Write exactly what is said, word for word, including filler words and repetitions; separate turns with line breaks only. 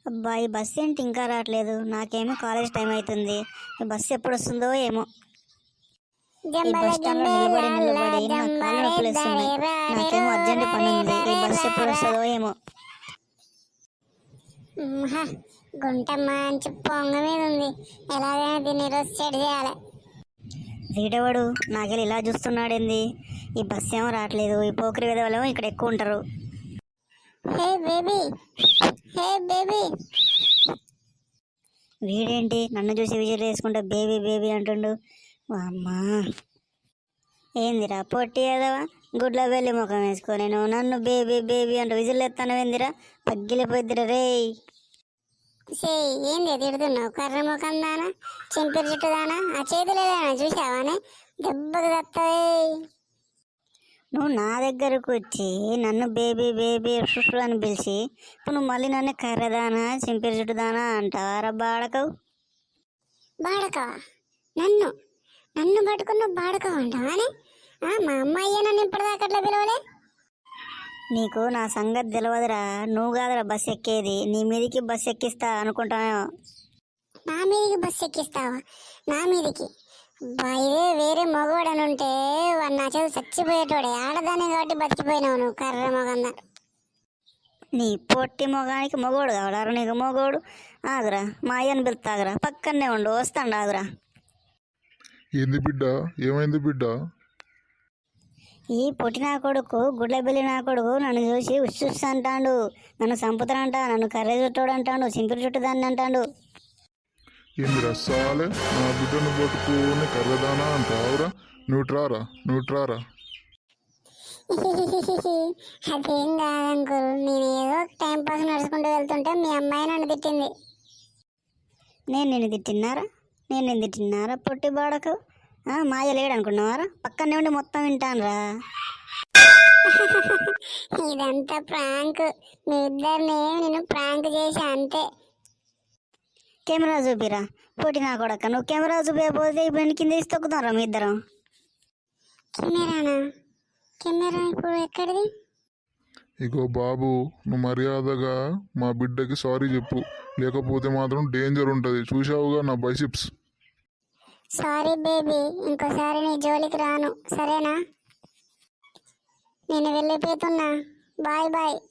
అబ్బా ఈ బస్సు ఏంటి ఇంకా రావట్లేదు? నాకేమో కాలేజ్ టైం అవుతుంది. ఈ బస్సు ఎప్పుడు వస్తుందో ఏమో. ఈ బస్ స్టాండ్ లో నిలబడి నిలబడి నా కాళ్ళు నొప్పులు వస్తున్నాయి. నాకేమో అర్జెంట్ పని ఉంది. ఈ బస్సు ఎప్పుడు వస్తుందో ఏమో.
గుంట మంచి పొంగ మీద ఉంది. ఎలాగైనా దీన్ని ఈరోజు సెట్ చేయాలి.
వీడెవడు నాకెళ్ళి ఇలా చూస్తున్నాడేంది? ఈ బస్సు ఏమో రావట్లేదు. ఈ పోకరి విధవలేమో ఇక్కడ ఎక్కువ ఉంటారు.
Hey baby, hey baby.
వీడేంటి నన్ను చూసి విజిల్ వేసుకుంటా బేబీ బేబీ అంటుండు. అమ్మా ఏందిరా పొట్టి ఏదవా గుడ్ల వెళ్ళి ముఖం వేసుకో. నేను నన్ను బేబీ బేబీ అంటూ విజిల్ ఎత్తాను. ఏందిరా పగ్గిలిపోద్దిరా రే.
సే ఏంది తిడుతున్నావు? కర్ర ముఖం దానా, చింపిరి చుట్టు దానా, ఆ చేతులు ఏదైనా చూసావానే? దెబ్బకు తత్తాయి.
నువ్వు నా దగ్గరకు వచ్చి నన్ను బేబీ బేబీ షుషు అని పిలిచి ఇప్పుడు నువ్వు మళ్ళీ నన్ను కర్రదానా చింపిరి చుట్టుదానా అంటావారా బాడకవు?
బాడకవా? నన్ను నన్ను పట్టుకున్న బాడకవ అంటావానే? మా అమ్మాయి నన్ను ఇప్పటిదాకా అట్లా పిలవలే.
నీకు నా సంగతి తెలియదురా. నువ్వు కాదురా బస్సు ఎక్కేది. నీ మీదికి బస్సు ఎక్కిస్తా అనుకుంటామేమో.
నా మీదికి బస్సు ఎక్కిస్తావా? నా మీదికి ఇదే వేరే మగవాడని ఉంటే వాడు నా చేతి చచ్చిపోయేటోడే. ఆడదానే కాబట్టి బతికిపోయినావు నువ్వు కర్ర మొగందా.
నీ పొట్టి మొగానికి మొగోడు కావాలరా నీకు? మొగోడు ఆగురా, మా అయ్యని పిలుతాగురా, పక్కనే ఉండు, వస్తాండు ఆగురా.
ఏంది బిడ్డ? ఏమైంది బిడ్డ?
ఈ పొట్టి నా కొడుకు గుడ్ల బిల్లి నా కొడుకు నన్ను చూసి ఉస్సుస్ అంటాడు. నన్ను చంపుతానంట, నన్ను కర్ర చుట్టోడు అంటాడు, చింపిరి చుట్టుదాన్ని అంటాడు.
ఏంది రసాలే నా బిడ్డను పట్టుకుని కర్రదానా అంటావురా? నువ్వు ట్రారా, నువ్వు ట్రారా.
అదేం కాదంకుల్, నేను ఏదో టైం పాస్ నడుచుకుంటూ వెళ్తుంటే మీ అమ్మాయి నన్ను తిట్టింది.
నేను నిన్ను తిట్టినారా? నేను నిన్ను తిట్టినారా పొట్టి బాడకు? మాయ లేడు అనుకున్నావారా? పక్కనే ఉండి మొత్తం వింటానురా.
ఇదంతా ప్రాంక్. మీ ఇద్దరిని నేను ప్రాంక్ చేసా అంతే.
కెమెరా చూపిరా పొట్టి నా కొడక. నువ్వు కెమెరా చూపించకపోతే ఇప్పుడు కింద తీసి తొక్కుతారా మీ ఇద్దరం?
కెమెరానా? కెమెరా ఇప్పుడు ఎక్కడిది?
ఇగో బాబు, నువ్వు మర్యాదగా మా బిడ్డకి సారీ చెప్పు, లేకపోతే మాత్రం డేంజర్ ఉంటుంది. చూసావుగా నా బైసిప్స్.
సారీ బేబీ, ఇంకోసారి నీ జోలికి రాను, సరేనా? నేను వెళ్ళిపోతున్నా. Bye bye.